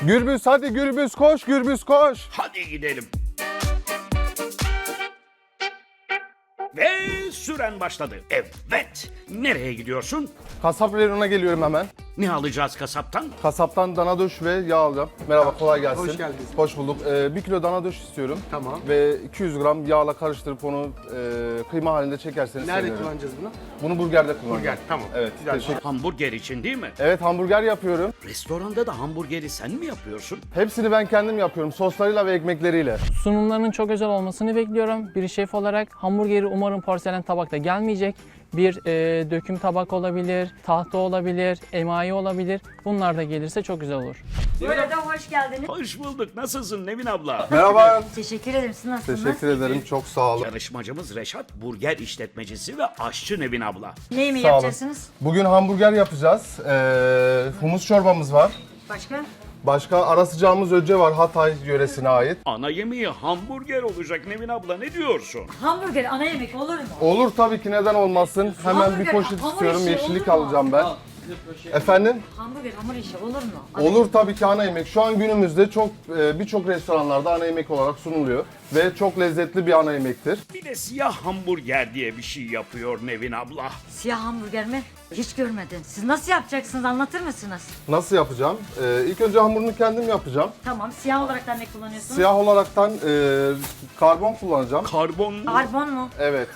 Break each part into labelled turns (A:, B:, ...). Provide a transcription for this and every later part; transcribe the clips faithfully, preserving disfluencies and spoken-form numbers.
A: Gürbüz hadi Gürbüz koş, Gürbüz koş.
B: Hadi gidelim. Ve süren başladı. Evet. Nereye gidiyorsun?
A: Kasap reyonuna geliyorum hemen.
B: Ne alacağız kasaptan?
A: Kasaptan dana döş ve yağ alacağım. Merhaba, kolay gelsin.
C: Hoş geldiniz.
A: Hoş bulduk. Ee, bir kilo dana döş istiyorum.
C: Tamam.
A: Ve iki yüz gram yağla karıştırıp onu e, kıyma halinde çekerseniz
C: Nerede
A: sevinirim.
C: kullanacağız bunu?
A: Bunu burgerde kullanacağım.
C: Burger, tamam.
A: Evet,
C: Güzel.
A: teşekkür.
B: Hamburger için değil mi?
A: Evet, hamburger yapıyorum.
B: Restoranda da hamburgeri sen mi yapıyorsun?
A: Hepsini ben kendim yapıyorum. Soslarıyla ve ekmekleriyle.
D: Sunumlarının çok özel olmasını bekliyorum. Bir şef olarak hamburgeri umarım porselen tabakta gelmeyecek. Bir e, döküm tabak olabilir, tahta olabilir, emayi olabilir. Bunlar da gelirse çok güzel olur.
E: Burada hoş geldiniz.
B: Hoş bulduk. Nasılsın Nevin abla?
A: Merhaba.
E: Teşekkür ederim. Siz nasılsınız?
A: Teşekkür ederim. Çok sağ olun.
B: Yarışmacımız Reşat, burger işletmecisi ve aşçı Nevin abla.
E: Ne yemeği
A: Sağ olun.
E: yapacaksınız?
A: Bugün hamburger yapacağız. Ee, humus çorbamız var.
E: Başka?
A: Başka ara sıcağımız öce var, Hatay yöresine ait.
B: Ana yemeği hamburger olacak Nevin abla, ne diyorsun?
E: Hamburger ana yemek olur mu?
A: Olur tabii ki, neden olmasın. Hemen bir
E: Hamburger,
A: poşet
E: hamur
A: istiyorum,
E: işi
A: yeşillik
E: olur mu?
A: alacağım ben. Efendim?
E: Hamburger hamur işi olur mu? Ana
A: Olur tabii ki, ana yemek. Şu an günümüzde çok e, birçok restoranlarda ana yemek olarak sunuluyor. Ve çok lezzetli bir ana yemektir.
B: Bir de siyah hamburger diye bir şey yapıyor Nevin abla.
E: Siyah hamburger mi? Hiç görmedim. Siz nasıl yapacaksınız? Anlatır mısınız?
A: Nasıl yapacağım? E, ilk önce hamurunu kendim yapacağım.
E: Tamam. Siyah olarak da ne kullanıyorsunuz?
A: Siyah olaraktan e, karbon kullanacağım.
B: Karbon
E: Karbon mu?
A: Evet.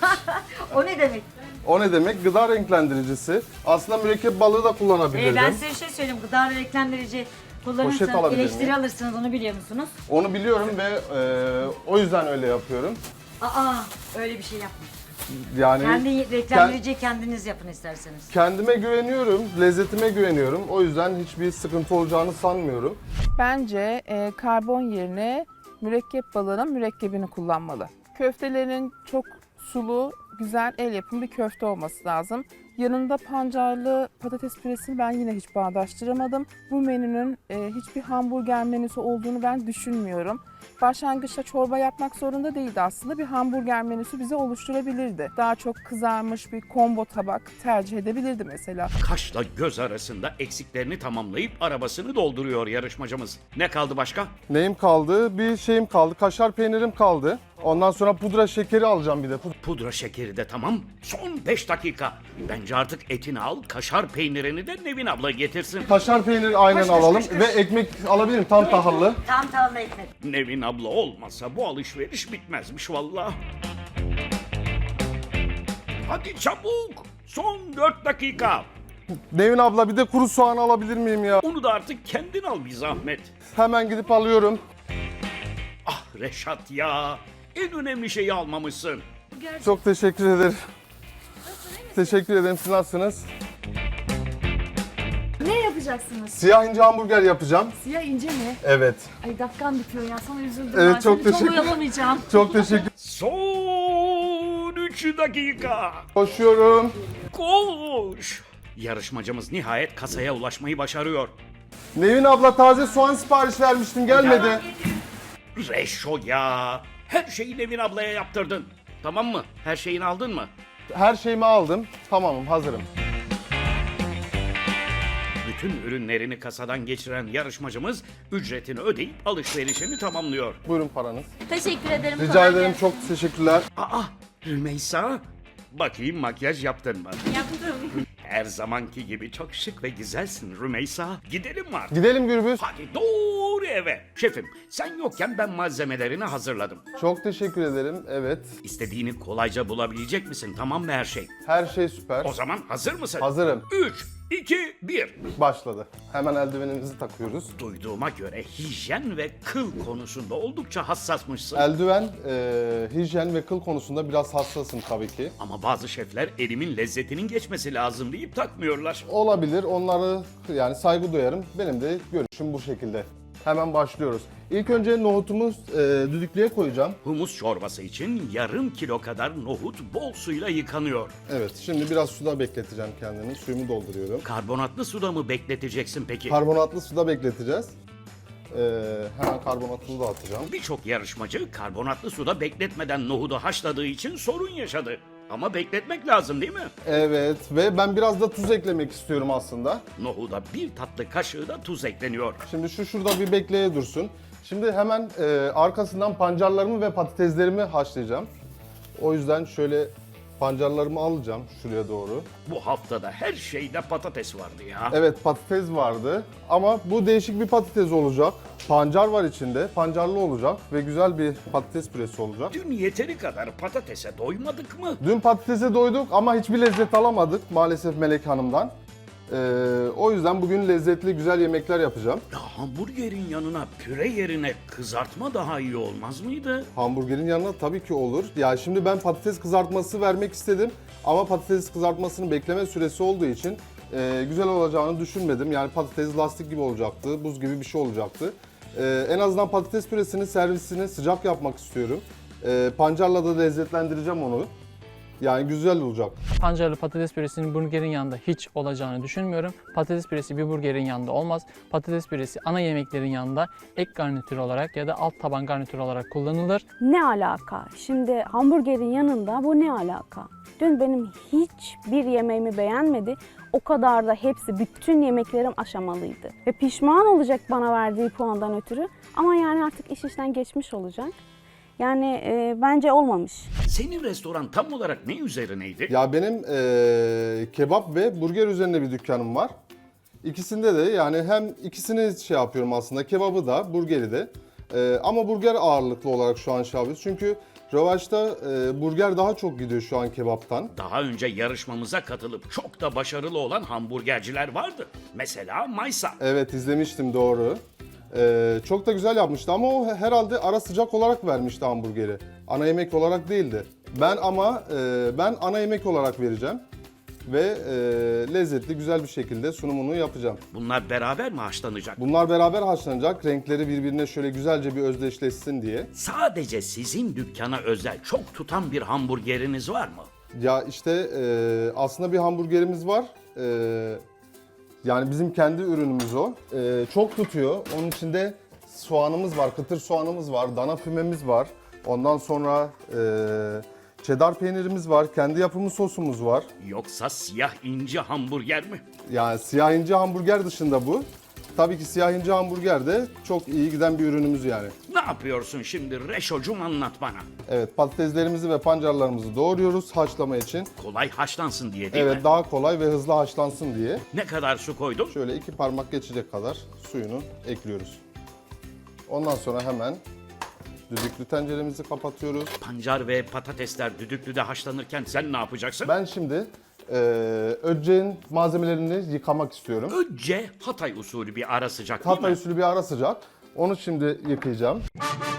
E: O ne demek?
A: O ne demek? Gıda renklendiricisi. Aslında mürekkep balığı da
E: Ee,
A: kullanabilirdim.
E: ben size bir şey söyleyeyim. Gıda renklendirici
A: Poşet
E: kullanırsanız
A: alabilir
E: eleştiri
A: miyim?
E: alırsınız. Onu biliyor musunuz?
A: Onu biliyorum ve e, o yüzden öyle yapıyorum.
E: Aa öyle bir şey yapmayın.
A: Yani
E: Kendi renklendiriciyi kendiniz yapın isterseniz.
A: kendime güveniyorum, lezzetime güveniyorum. O yüzden hiçbir sıkıntı olacağını sanmıyorum.
F: Bence e, karbon yerine mürekkep balığının mürekkebini kullanmalı. Köftelerin çok sulu, güzel el yapımı bir köfte olması lazım. Yanında pancarlı patates püresini ben yine hiç bağdaştıramadım. Bu menünün e, hiçbir hamburger menüsü olduğunu ben düşünmüyorum. Başlangıçta çorba yapmak zorunda değildi aslında. Bir hamburger menüsü bize oluşturabilirdi. Daha çok kızarmış bir combo tabak tercih edebilirdi mesela.
B: kaşla göz arasında eksiklerini tamamlayıp arabasını dolduruyor yarışmacımız. Ne kaldı başka?
A: Neyim kaldı? Bir şeyim kaldı. Kaşar peynirim kaldı. Ondan sonra pudra şekeri alacağım bir de. Pud-
B: Pudra şekeri de tamam. Son beş dakika. Bence artık etini al, kaşar peynirini de Nevin abla getirsin.
A: Kaşar peyniri aynen
E: Koş, koş,
A: alalım
E: koş, koş.
A: ve ekmek alabilirim tam tahıllı.
E: Tam tahıllı ekmek.
B: Nevin abla olmasa bu alışveriş bitmezmiş vallahi. Hadi çabuk. Son dört dakika.
A: Nevin abla bir de kuru soğan alabilir miyim ya?
B: Onu da artık kendin al bir zahmet.
A: Hemen gidip alıyorum.
B: Ah Reşat ya. En önemli şeyi almamışsın.
A: Çok teşekkür ederim. Teşekkür ederim. Siz nasılsınız?
G: Ne yapacaksınız?
A: Siyah ince hamburger yapacağım.
G: Siyah ince mi?
A: Evet.
G: Ay dakikam bitiyor ya, sana üzüldüm
A: Evet,
G: ben.
A: çok
G: Seni
A: teşekkür-
G: oyalamayacağım.
A: Çok teşekkür.
B: Son üç dakika.
A: Koşuyorum.
B: Koş. Yarışmacımız nihayet kasaya ulaşmayı başarıyor.
A: Nevin abla taze soğan sipariş vermiştim, gelmedi.
B: Reşo ya. Her şeyi Nevin ablaya yaptırdın. Tamam mı? Her şeyini aldın mı?
A: Her şeyimi aldım. Tamamım, hazırım.
B: Bütün ürünlerini kasadan geçiren yarışmacımız ücretini ödeyip alışverişini tamamlıyor.
A: Buyurun paranız.
G: Teşekkür ederim.
A: Rica
G: kolay
A: ederim,
G: gelsin.
A: çok teşekkürler.
B: Aa Rümeysa. Bakayım makyaj yaptın mı?
G: Yaptım.
B: Her zamanki gibi çok şık ve güzelsin Rümeysa. Gidelim mi artık?
A: Gidelim Gürbüz.
B: Hadi doğru eve. Şefim sen yokken ben malzemelerini hazırladım.
A: Çok teşekkür ederim. Evet.
B: İstediğini kolayca bulabilecek misin? Tamam mı her şey?
A: Her şey süper.
B: O zaman hazır mısın?
A: Hazırım.
B: üç, iki, bir.
A: Başladı. Hemen eldivenimizi takıyoruz.
B: Duyduğuma göre hijyen ve kıl konusunda oldukça hassasmışsın.
A: Eldiven, e, hijyen ve kıl konusunda biraz hassasım tabii ki.
B: Ama bazı şefler elimin lezzetinin geçmesi lazım deyip takmıyorlar.
A: Olabilir. Onları yani saygı duyarım. Benim de görüşüm bu şekilde. Hemen başlıyoruz. İlk önce nohutumu e, düdüklüye koyacağım.
B: Humus çorbası için yarım kilo kadar nohut bol suyla yıkanıyor.
A: Evet, şimdi biraz suda bekleteceğim kendimi. Suyumu dolduruyorum.
B: Karbonatlı suda mı bekleteceksin peki?
A: Karbonatlı suda bekleteceğiz. E, hemen karbonatını da atacağım.
B: Birçok yarışmacı karbonatlı suda bekletmeden nohudu haşladığı için sorun yaşadı. Ama bekletmek lazım değil mi?
A: Evet ve ben biraz da tuz eklemek istiyorum aslında.
B: Nohuda bir tatlı kaşığı da tuz ekleniyor.
A: Şimdi şu şurada bir bekleye dursun. Şimdi hemen e, arkasından pancarlarımı ve patateslerimi haşlayacağım. O yüzden şöyle pancarlarımı alacağım şuraya doğru.
B: Bu haftada her şeyde patates vardı ya.
A: Evet, patates vardı ama bu değişik bir patates olacak. Pancar var içinde, pancarlı olacak ve güzel bir patates püresi olacak.
B: Dün yeteri kadar patatese doymadık mı?
A: Dün patatese doyduk ama hiçbir lezzet alamadık maalesef Melek Hanım'dan. Ee, o yüzden bugün lezzetli güzel yemekler yapacağım.
B: Ya hamburgerin yanına püre yerine kızartma daha iyi olmaz mıydı?
A: Hamburgerin yanına tabii ki olur. Ya şimdi ben patates kızartması vermek istedim ama patates kızartmasının bekleme süresi olduğu için e, güzel olacağını düşünmedim. Yani patates lastik gibi olacaktı, buz gibi bir şey olacaktı. E, en azından patates püresinin servisini sıcak yapmak istiyorum. E, pancarla da lezzetlendireceğim onu. Yani güzel olacak.
D: Pancarlı patates püresinin burgerin yanında hiç olacağını düşünmüyorum. Patates püresi bir burgerin yanında olmaz. Patates püresi ana yemeklerin yanında ek garnitür olarak ya da alt taban garnitür olarak kullanılır.
C: Ne alaka? Şimdi hamburgerin yanında bu ne alaka? Dün benim hiçbir yemeğimi beğenmedi. O kadar da hepsi, bütün yemeklerim aşamalıydı. Ve pişman olacak bana verdiği puandan ötürü. Ama yani artık iş işten geçmiş olacak. Yani e, bence olmamış.
B: Senin restoran tam olarak ne üzerineydi?
A: Ya benim e, kebap ve burger üzerine bir dükkanım var. İkisinde de yani hem ikisini şey yapıyorum aslında, kebabı da burgeri de. E, ama burger ağırlıklı olarak şu an şey yapıyoruz. Çünkü revaçta e, burger daha çok gidiyor şu an kebaptan.
B: Daha önce yarışmamıza katılıp çok da başarılı olan hamburgerciler vardı. Mesela Maysa.
A: Evet, izlemiştim, doğru. E, çok da güzel yapmıştı ama o herhalde ara sıcak olarak vermişti hamburgeri. Ana yemek olarak değildi. Ben ama e, ben ana yemek olarak vereceğim. Ve e, lezzetli güzel bir şekilde sunumunu yapacağım.
B: Bunlar beraber mi haşlanacak?
A: Bunlar beraber haşlanacak. Renkleri birbirine şöyle güzelce bir özdeşleşsin diye.
B: Sadece sizin dükkana özel çok tutan bir hamburgeriniz var mı?
A: Ya işte e, aslında bir hamburgerimiz var. E, yani bizim kendi ürünümüz o. E, çok tutuyor. Onun içinde soğanımız var, kıtır soğanımız var, dana fümemiz var. Ondan sonra e, cheddar peynirimiz var, kendi yapımı sosumuz var.
B: Yoksa siyah inci hamburger mi?
A: Yani siyah ince hamburger dışında bu. Tabii ki siyah ince hamburger de çok iyi giden bir ürünümüz yani.
B: Ne yapıyorsun şimdi Reşocum, anlat bana.
A: Evet, patateslerimizi ve pancarlarımızı doğruyoruz haşlama için.
B: Kolay haşlansın diye değil
A: Evet,
B: mi?
A: daha kolay ve hızlı haşlansın diye.
B: Ne kadar su koydun?
A: Şöyle iki parmak geçecek kadar suyunu ekliyoruz. Ondan sonra hemen düdüklü tenceremizi kapatıyoruz.
B: Pancar ve patatesler düdüklüde haşlanırken sen ne yapacaksın?
A: Ben şimdi e, önceğin malzemelerini yıkamak istiyorum.
B: Önce Hatay usulü bir ara sıcak değil
A: Hatay
B: mi?
A: usulü bir ara sıcak. Onu şimdi yıkayacağım.